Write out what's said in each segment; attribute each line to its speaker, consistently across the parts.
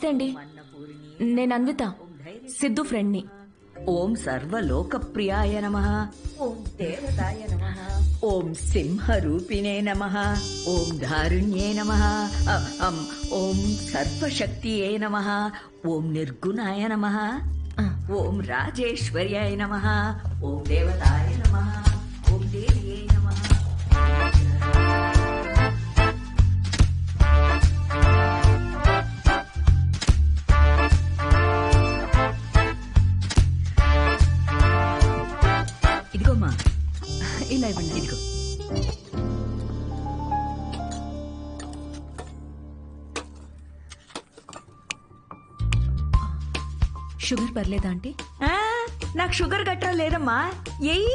Speaker 1: అండి, నేను అన్విత, సిద్ధు ఫ్రెండ్ని.
Speaker 2: ఓం సర్వలోకప్రియాయ నమః. ఓం దేవతాయ నమః. ఓం సింహరూపిణే నమః. ఓం ధారుణ్యే నమః. ఓం సర్వశక్తియే నమః. ఓం నిర్గుణాయ నమః. ఓం రాజేశ్వర్యాయ నమః. ఓం దేవతాయ నమః. ఓం దేవ్యే నమః. ఇదిగోమ్మా,
Speaker 1: ఇలా ఇవ్వండి.
Speaker 2: ఇదిగో.
Speaker 1: షుగర్ పర్లేదా ఆంటీ?
Speaker 2: ఆ, నాకు షుగర్ గట్రా లేదమ్మా. ఏయ్,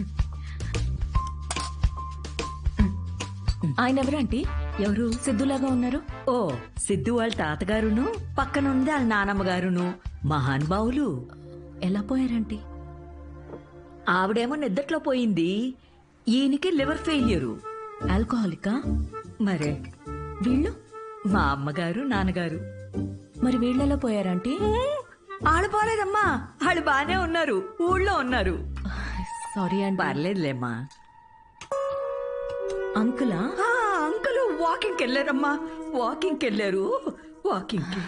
Speaker 1: ఆయన ఎవరు ఆంటీ?
Speaker 2: ఎవరు?
Speaker 1: సిద్ధులాగా ఉన్నారు.
Speaker 2: ఓ, సిద్ధు వాళ్ళ తాతగారును పక్కనుంది వాళ్ళ నానమ్మ గారును మహానుభావులు.
Speaker 1: ఎలా పోయారంటీ?
Speaker 2: ఆవిడేమో నిద్దట్లో పోయింది, ఈయనకి లివర్ ఫెయిల్యూరు.
Speaker 1: ఆల్కహాలికా?
Speaker 2: మరే
Speaker 1: వీళ్ళు?
Speaker 2: మా అమ్మగారు నాన్నగారు.
Speaker 1: మరి వీళ్ళెలా పోయారంటీ?
Speaker 2: ఆళ్ళు పోలేదమ్మా, వాళ్ళు బానే ఉన్నారు, ఊళ్ళో ఉన్నారు.
Speaker 1: సారీ అండి.
Speaker 2: పర్లేదులేమ్మా.
Speaker 1: అంకులా?
Speaker 2: అంకుల్ వాకింగ్కి వెళ్ళారమ్మా, వాకింగ్కి వెళ్ళారు. వాకింగ్కి.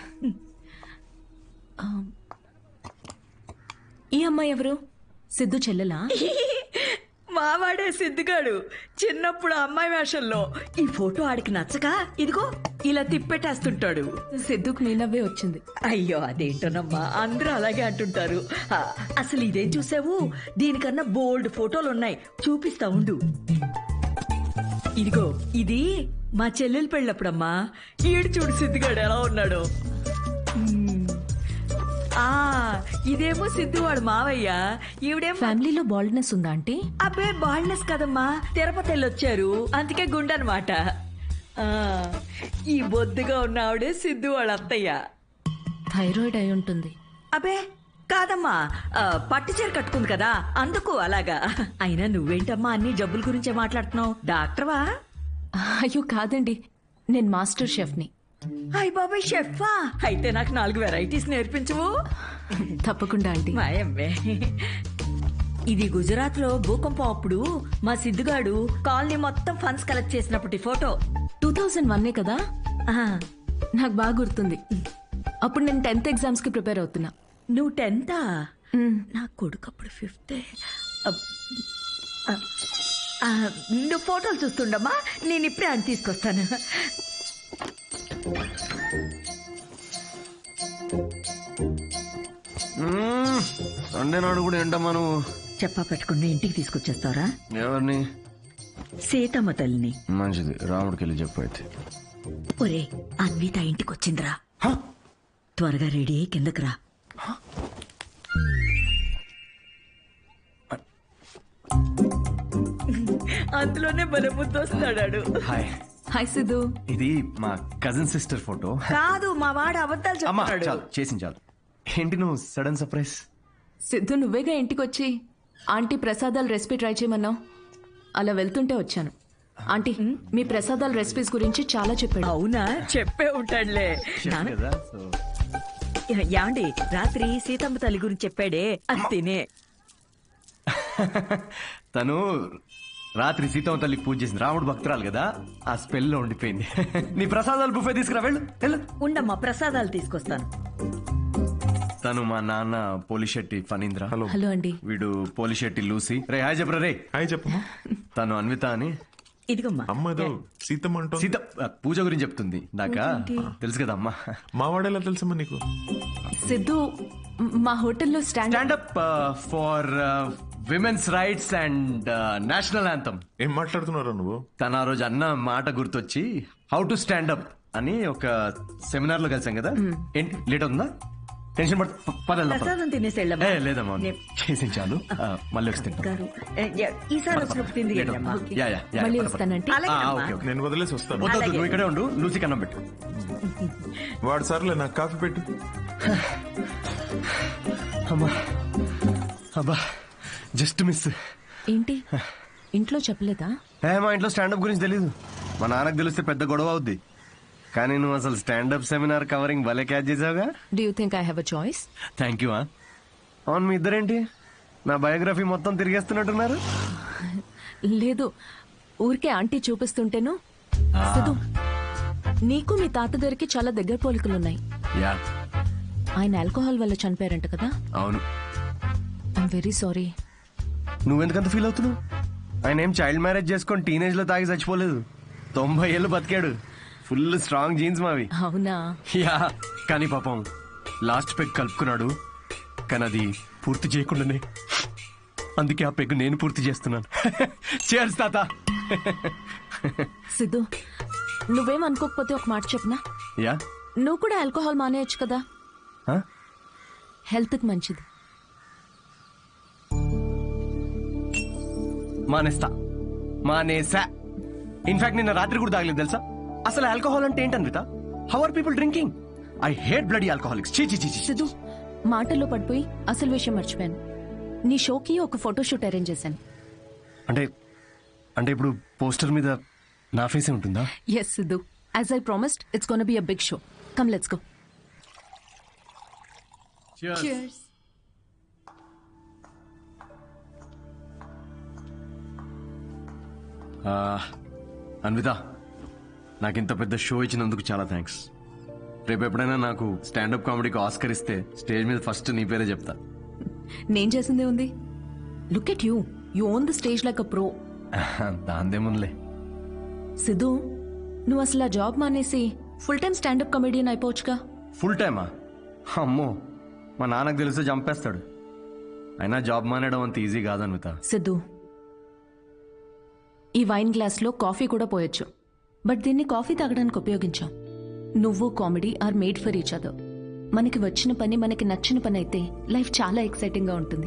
Speaker 1: ఈ అమ్మాయి ఎవరు? సిద్ధు చెల్లెలా?
Speaker 2: మావాడే సిద్ధిగాడు, చిన్నప్పుడు అమ్మాయి వేషంలో. ఈ ఫోటో ఆడికి నచ్చక ఇదిగో ఇలా తిప్పెట్టేస్తుంటాడు.
Speaker 1: సిద్ధుకు నీ నవ్వే వచ్చింది.
Speaker 2: అయ్యో అదేంటోనమ్మా, అందరూ అలాగే అంటుంటారు. అసలు ఇదేం చూసావు, దీనికన్నా బోల్డ్ ఫోటోలు ఉన్నాయి, చూపిస్తా ఉండు. ఇదిగో ఇది మా చెల్లెలు పెళ్ళప్పుడమ్మా. ఈడు చూడు సిద్ధిగాడు ఎలా ఉన్నాడు. ఇదేమో సిద్ధు వాడు మావయ్య, ఈవిడేమో.
Speaker 1: ఫ్యామిలీలో బాల్డ్నెస్ ఉందా ఆంటీ?
Speaker 2: అబ్బే బాల్నెస్ కదమ్మా, తిరుపతి వెళ్ళొచ్చారు అందుకే గుండనమాట. ఈ బొద్దుగా ఉన్న ఆవిడే సిద్ధు వాళ్ళ అత్తయ్య.
Speaker 1: థైరాయిడ్ అయి ఉంటుంది.
Speaker 2: అబ్బే కాదమ్మా, పట్టు చీర కట్టుకుంది కదా అందుకు అలాగా. అయినా నువ్వేంటమ్మా అన్ని జబ్బుల గురించే మాట్లాడుతున్నావు, డాక్టర్వా?
Speaker 1: అయ్యో కాదండి, నేను మాస్టర్ షెఫ్ని.
Speaker 2: అయ్ బాబాయ్, షెఫా? అయితే నాకు 4 వెరైటీస్ నేర్పించవు?
Speaker 1: తప్పకుండా ఆంటీ.
Speaker 2: మాయమ్మే. ఇది గుజరాత్ లో భూకంపం అప్పుడు మా సిద్ధుగాడు కాలనీ మొత్తం ఫండ్స్ కలెక్ట్ చేసినప్పటి ఫోటో.
Speaker 1: 2001 కదా? నాకు బాగా గుర్తుంది. అప్పుడు నేను 10th ఎగ్జామ్స్ కి ప్రిపేర్ అవుతున్నా.
Speaker 2: నువ్వు 10th? నా కొడుకు అప్పుడు 5th. నువ్వు ఫోటోలు చూస్తుండమ్మా, నేను ఇప్పుడే అని తీసుకొస్తాను.
Speaker 3: సండే నాడు కూడా ఏంటమ్మా నువ్వు?
Speaker 2: చెప్పా పెట్టుకుని ఇంటికి తీసుకొచ్చేస్తారా?
Speaker 3: ఎవరిని?
Speaker 2: సీతమ్మ తల్లిని.
Speaker 3: మంచిది, రాముడికి వెళ్ళి చెప్పు అయితే.
Speaker 2: ఒరే, అన్విత ఇంటికి వచ్చిందిరా, త్వరగా రెడీ అయ్యి కిందకి రా. అందులోనే బలబుద్ధి వస్తాడాడు.
Speaker 3: హాయ్.
Speaker 1: హాయ్ సిద్ధు.
Speaker 3: ఇది మా కజిన్ సిస్టర్ ఫోటో.
Speaker 2: కాదు, మా వాడు అబద్ధాలు
Speaker 3: అమ్మా
Speaker 2: చెప్తాడు.
Speaker 3: చాలు, చేసింది చాలు. ఏంటి నువ్వు సడన్ సర్ప్రైజ్?
Speaker 1: సిద్ధు నువ్వేగా ఇంటికి వచ్చి ఆంటీ ప్రసాదాల రెసిపీ ట్రై చేయమన్నావు, అలా వెళ్తుంటే వచ్చాను. ఆంటీ మీ ప్రసాదాల రెసిపీస్ గురించి చాలా చెప్పాడు.
Speaker 2: అవునా, చెప్పే ఉంటాడులే.
Speaker 3: కదా, సో
Speaker 2: యాండి రాత్రి సీతమ్మ తల్లి గురించి చెప్పాడే, అది తినే.
Speaker 3: తను రాత్రి సీతమ్మ తల్లికి పూజ చేసింది, రాముడు భక్తురాలు కదా, ఆ స్పెల్ లో ఉండిపోయింది. నీ ప్రసాదాలు బుఫే తీసుకురా, వెళ్ళు.
Speaker 2: ఉండమ్మా, ప్రసాదాలు తీసుకొస్తాను.
Speaker 3: తను మా నాన్న పోలిశెట్టి ఫణీంద్ర.
Speaker 4: హలో.
Speaker 1: హలో అండి.
Speaker 3: వీడు పోలిశెట్టి లూసి. రే హాయ్ చెప్పరా. రే
Speaker 4: హాయ్ చెప్పమ్మా.
Speaker 3: తను అన్విత అని.
Speaker 2: ఇదిగమ్మా.
Speaker 4: అమ్మ ఏదో సీతమ్మ అంటూ
Speaker 3: సీత పూజ గురించి చెప్తుంది. నాకా తెలుసు కదా అమ్మా.
Speaker 4: మా వాడేలా తెలుసమ్మా నీకు?
Speaker 1: సిద్ధు మా హోటల్లో
Speaker 3: stand up for women's rights and national anthem.
Speaker 4: ఏం మాట్లాడుతున్నారా నువ్వు?
Speaker 3: తన ఆ రోజు అన్న మాట గుర్తొచ్చి హౌ టు స్టాండప్ అని ఒక సెమినార్ లో కలిసాం కదా. ఏంటి లేట్ అవుతుందా? టెన్షన్
Speaker 2: ప్రసాదం తినేసి వెళ్ళమ్మా.
Speaker 3: లేదమ్మా, చేసి చాలు. మళ్ళీ వస్తే
Speaker 2: గారు, ఈసారి వచ్చినప్పుడు తింది వెళ్ళమ్మా.
Speaker 1: మళ్ళీ వస్తానంటే.
Speaker 4: నేను వదిలేసి వస్తాను.
Speaker 3: నువ్వు ఇక్కడే ఉండు, లూసి కన్నం పెట్టు.
Speaker 4: వాడు సర్లే, నాకు కాఫీ పెట్టు.
Speaker 3: అమ్మా అబ్బా, జస్ట్ మిస్.
Speaker 1: ఏంటి ఇంట్లో చెప్పలేదా?
Speaker 3: మా ఇంట్లో స్టాండప్ గురించి తెలీదు. మా నాన్నకు తెలిస్తే పెద్ద గొడవ అవుద్ది. కానీ నువ్వు అసలు స్టాండప్ సెమినార్ కవరింగ్ భలే క్యాచ్ చేసావుగా.
Speaker 1: Do you think I have a choice?
Speaker 3: Thank you. అవును, మీ ఇద్దరేంటి నా బయోగ్రఫీ మొత్తం తిరిగేస్తున్నట్టున్నారు?
Speaker 1: లేదు, ఊరికే ఆంటీ చూపిస్తుంటేను. సిద్ధు, నీకు మీ తాతగారికి చాలా దగ్గర పోలికలున్నాయి.
Speaker 3: యా,
Speaker 1: ఆయన ఆల్కహాల్ వల్ల చనిపోయారంట కదా.
Speaker 3: అవును.
Speaker 1: I'm very sorry.
Speaker 3: నువ్వెందుకంత ఫీల్ అవుతున్నావు? ఆయన ఏం చైల్డ్ మ్యారేజ్ చేసుకొని టీనేజ్ లో తాగి చచ్చిపోలేదు. 90 ఏళ్ళు బతికాడు. ఫుల్ స్ట్రాంగ్ జీన్స్ మావి.
Speaker 1: అవునా?
Speaker 3: యా, కానీ పాపం లాస్ట్ పెగ్ కలుపుకున్నాడు. కానీ అది పూర్తి చేయకుండానే, అందుకే ఆ పెగ్ నేను పూర్తి చేస్తున్నాను. చేర్స్ తాత.
Speaker 1: సిద్ధు, నువ్వేం అనుకోకపోతే ఒక మాట చెప్పనా?
Speaker 3: యా.
Speaker 1: నువ్వు కూడా ఆల్కహాల్ మానేయచ్చు కదా, హెల్త్ కి మంచిది.
Speaker 3: మానేసా. ఇన్ఫాక్ట్ నిన్న రాత్రి కూడా తాగలేదు తెలుసా. అసలు ఆల్కహాల్ అంటే ఏంటన్విత? How are people drinking? I hate bloody alcoholics. చీ చీ చీ.
Speaker 1: సిద్ధు, మాటల్లో పడిపోయి అసలు విషయం మర్చిపోయాను. నీ షోకి ఒక ఫోటోషూట్ అరేంజ్ చేశాను.
Speaker 3: అంటే ఇప్పుడు పోస్టర్ మీద నా ఫేసే ఉంటుందా?
Speaker 1: Yes Siddhu, as I promised, it's gonna be a big show. Come let's go. Cheers.
Speaker 3: Anvitha, నాకు ఇంత పెద్ద షో ఇచ్చినందుకు చాలా థ్యాంక్స్. రేపు ఎప్పుడైనా నాకు స్టాండప్ కామెడీకి ఆస్కర్ ఇస్తే స్టేజ్ మీద ఫస్ట్ నీ పేరే చెప్తా.
Speaker 1: నేను చేసిందే ఉంది. Look at you, you own the stage like a pro.
Speaker 3: దాందేముందిలే.
Speaker 1: సిద్ధు, నువ్వు అసలు ఆ జాబ్ మానేసి ఫుల్ టైం స్టాండప్ కమెడియన్ అయిపోవచ్చుగా.
Speaker 3: ఫుల్ టైమా? అమ్మో, మా నాన్నకు తెలిస్తే చంపేస్తాడు. అయినా జాబ్ మానేయడం అంత ఈజీ కాదన్విత.
Speaker 1: సిద్ధు, ఈ వైన్ గ్లాస్ లో కాఫీ కూడా పోయొచ్చు, బట్ దీన్ని కాఫీ తాగడానికి ఉపయోగించాం. నువ్వు comedy are made for each other. మనకి వచ్చిన పని మనకి నచ్చిన పని అయితే లైఫ్ చాలా ఎక్సైటింగ్ గా ఉంటుంది.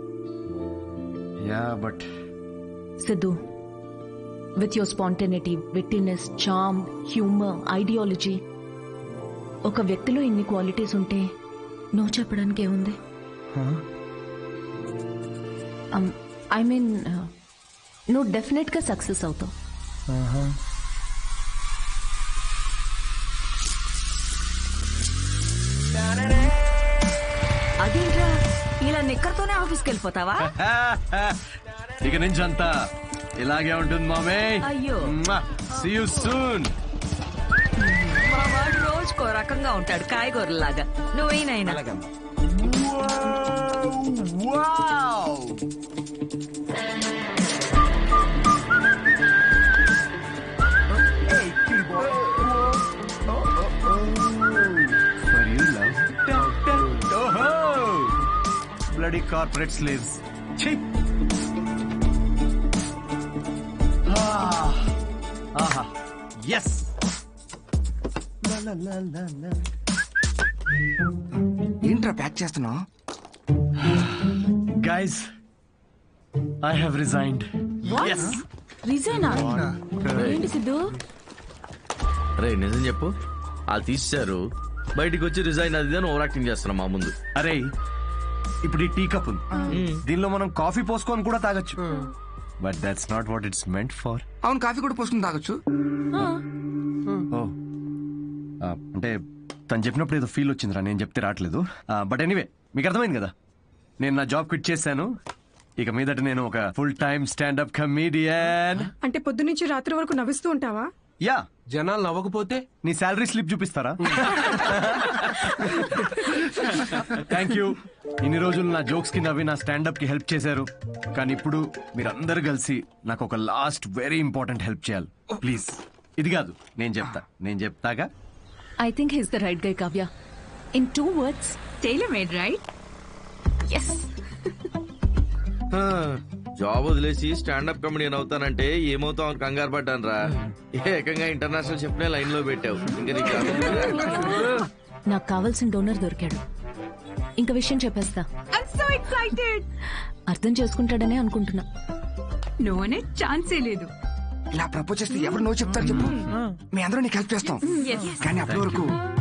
Speaker 3: Yeah, but
Speaker 1: Siddhu, with your spontaneity, wittiness, charm, humour, ideology, ఒక వ్యక్తిలో ఇన్ని క్వాలిటీస్ ఉంటే నువ్వు చెప్పడానికి ఏముంది? ఐ మీన్, నువ్వు డెఫినెట్ గా సక్సెస్ అవుతావు.
Speaker 2: అదేంట్రా, ఇలా నిక్కర్తోనే ఆఫీస్కి వెళ్ళిపోతావా?
Speaker 3: ఇక నుంచి అంతా ఇలాగే ఉంటుంది మామే.
Speaker 2: అయ్యో.
Speaker 3: See you soon.
Speaker 2: మా వాడు రోజుకో రకంగా ఉంటాడు, కాయగూరలాగా. నువ్వేనైనా
Speaker 3: bloody corporate slaves. Chhi. Aha. Yes.
Speaker 5: ఏంట్రా ప్యాక్ చేస్తున్నావు?
Speaker 3: Guys, I have resigned. Yes.
Speaker 1: రిజైనా? ఏంటి సిద్ధు?
Speaker 6: రే నిజం చెప్పు, వాళ్ళు తీసేశారు, బయటికి వచ్చి రిజైన్ అది అని ఓవర్ యాక్టింగ్ చేస్తున్నా మా ముందు.
Speaker 3: అరే, ఇప్పుడు ఈ టీ కప్ ఉంది, దీనిలో మనం కాఫీ పోసుకొని కూడా తాగొచ్చు. But that's not what it's meant for.
Speaker 5: అవును, కాఫీ కూడా పోసుకుని తాగొచ్చు.
Speaker 3: అంటే తను చెప్పినప్పుడు ఏదో ఫీల్ వచ్చిందిరా, నేను చెప్తే రావట్లేదు. బట్ ఎనీవే, మీకు అర్థమైంది కదా, నేను నా జాబ్ క్విట్ చేశాను. ఇక మీదట నేను ఒక ఫుల్ టైమ్ స్టాండప్ కమీడియన్.
Speaker 7: అంటే పొద్దునుంచి రాత్రి వరకు నవ్విస్తూ ఉంటావా?
Speaker 3: యా.
Speaker 8: జనాలు నవ్వకపోతే
Speaker 3: నీ శాలరీ స్లిప్ చూపిస్తారా? Thank you. ఇన్ని రోజులు నా జోక్స్ కి నవ్వి నా స్టాండప్ కి హెల్ప్ చేశారు. కానీ ఇప్పుడు మీరందరూ కలిసి నాకు ఒక లాస్ట్ వెరీ ఇంపార్టెంట్ హెల్ప్ చేయాలి. ప్లీజ్. ఇది కాదు, నేను చెప్తాగా.
Speaker 1: I think he's the right guy, Kavya. In 2 words,
Speaker 2: tailor made, right?
Speaker 1: Yes.
Speaker 6: Job వదిలేసి స్టాండప్ కమెడియన్ అవుతానంటే ఏమవుతావు అని కంగారు పడ్డాను రా. ఏకంగా ఇంటర్నేషనల్ చెప్పిన లైన్ లో పెట్టావు. ఇంకా నీకు
Speaker 1: నాకు కావాల్సిన డోనర్ దొరికాడు. ఇంక విషయం చెప్పేస్తా.
Speaker 7: So excited.
Speaker 1: అర్థం చేసుకుంటాడనే అనుకుంటున్నా.
Speaker 7: నో అనే ఛాన్సే లేదు.
Speaker 5: ఇలా ప్రపోజ్ చేస్తే ఎవరు నో చెప్తారు చెప్పు? మీ అందరూ నీకు హెల్ప్ చేస్తాం. కానీ అప్పటి వరకు